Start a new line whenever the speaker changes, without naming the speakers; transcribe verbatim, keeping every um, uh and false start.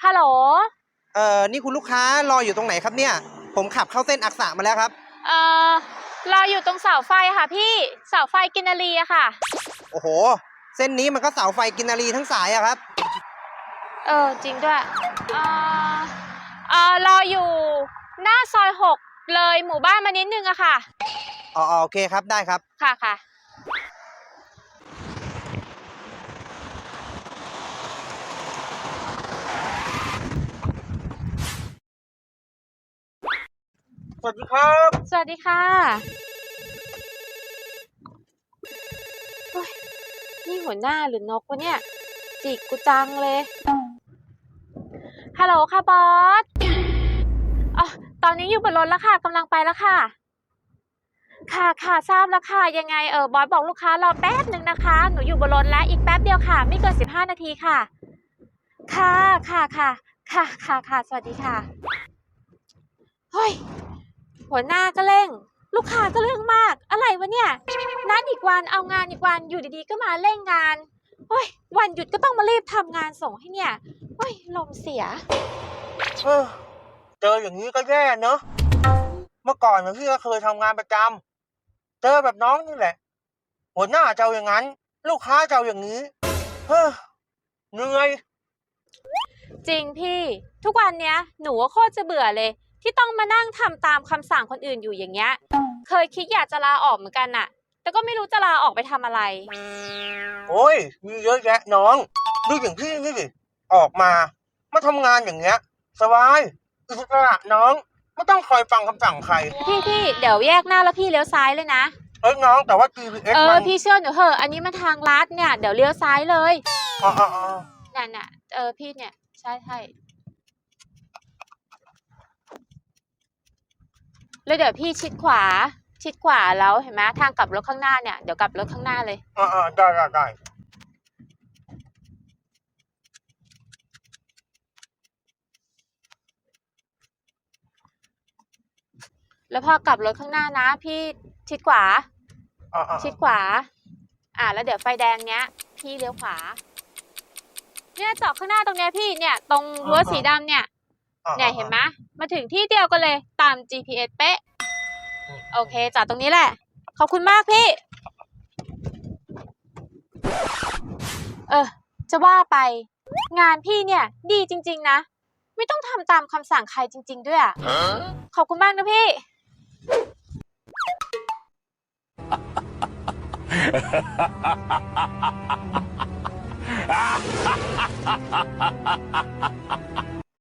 ฮัลโหล
เอ่อนี่คุณลูกค้ารออยู่ตรงไหนครับเนี่ยผมขับเข้าเส้นอักษะมาแล้วครับ
เอ่อรออยู่ตรงเสาไฟค่ะพี่เสาไฟกินนารีอะค่ะ
โอ้โหเส้นนี้มันก็เสาไฟกินนารีทั้งสายอะครับ
เออจริงด้วยเอ่อเอ่อรออยู่หน้าซอยหกเลยหมู่บ้านมานิดนึงอะค่ะ
อ๋อโอเคครับได้ครับ
ค่ะค่ะ
สวัสดีครับ
สวัสดีค่ะโอ้ยนี่หัวหน้าหรือนกวะเนี่ยจิกกูจังเลยฮัลโหลค่ะบอสอ๋อตอนนี้อยู่บนรถแล้วค่ะกำลังไปแล้วค่ะค่ะค่ะทราบแล้วค่ะยังไงเออบอสบอกลูกค้ารอแป๊บหนึ่งนะคะหนูอยู่บนรถแล้วอีกแป๊บเดียวค่ะไม่เกินสิบห้านาทีค่ะค่ะค่ะค่ะค่ะค่ะค่ะสวัสดีค่ะเฮ้ยหัวหน้าก็เร่งลูกค้าก็เรื่องมากอะไรวะเนี่ยนัดอีกวันเอางานอีกวันอยู่ดีๆก็มาเร่งงานเฮ้ยวันหยุดก็ต้องมารีบทำงานส่งให้เนี่ยเฮ้ยลมเสีย
เออเจออย่างนี้ก็แย่เนอะเมื่อก่อนพี่ก็เคยทำงานประจำเจอแบบน้องนี่แหละหัวหน้าเจ้าอย่างนั้นลูกค้าเจ้าอย่างนี้เฮ้อเหนื่อย
จริงพี่ทุกวันเนี้ยหนูว่าโคตรจะเบื่อเลยที่ต้องมานั่งทำตามคำสั่งคนอื่นอยู่อย่างเงี้ยเคยคิดอยากจะลาออกเหมือนกันน่ะแต่ก็ไม่รู้จะลาออกไปทำอะไร
โอ้ยมีเยอะแยะน้องดูอย่างพี่นี่สิออกมามาทำงานอย่างเงี้ยสบายอิสระน้องไม่ต้องคอยฟังคำสั่งใคร
พี่พี่เดี๋ยวแยกหน้าแล้วพี่เลี้ยวซ้ายเลยนะ
เอ้ยน้องแต่ว่า จี พี เอส
เออ
มัน
พี่เชื่อหนูเหอะอันนี้มันทางลัดเนี่ยเดี๋ยวเลี้ยวซ้ายเลย
อ๋ออ๋อ
น่ะน่ะเออพี่เนี่ยใช่ใช่แล้วเดี๋ยวพี่ชิดขวาชิดขวาแล้วเห็นไหมทางกลับรถข้างหน้าเนี่ยเดี๋ยวกลับรถข้างหน้าเลย
อ๋อได้ได้ได้
แล้วพอกลับรถข้างหน้านะพี่ชิดขวาชิดขวาอ่าแล้วเดี๋ยวไฟแดงเนี้ยพี่เลี้ยวขวาเนี่ยจอดข้างหน้าตรงเนี้ยพี่เนี่ยตรงรั้วสีดำเนี่ยเนี่ยเห็นไหมมาถึงที่เดียวกันเลยตาม จี พี เอส เป๊ะโอเคจอดตรงนี้แหละขอบคุณมากพี่เออจะว่าไปงานพี่เนี่ยดีจริงๆนะไม่ต้องทำตามคำสั่งใครจริงๆด้วยอ่ะขอบคุณมากนะพี่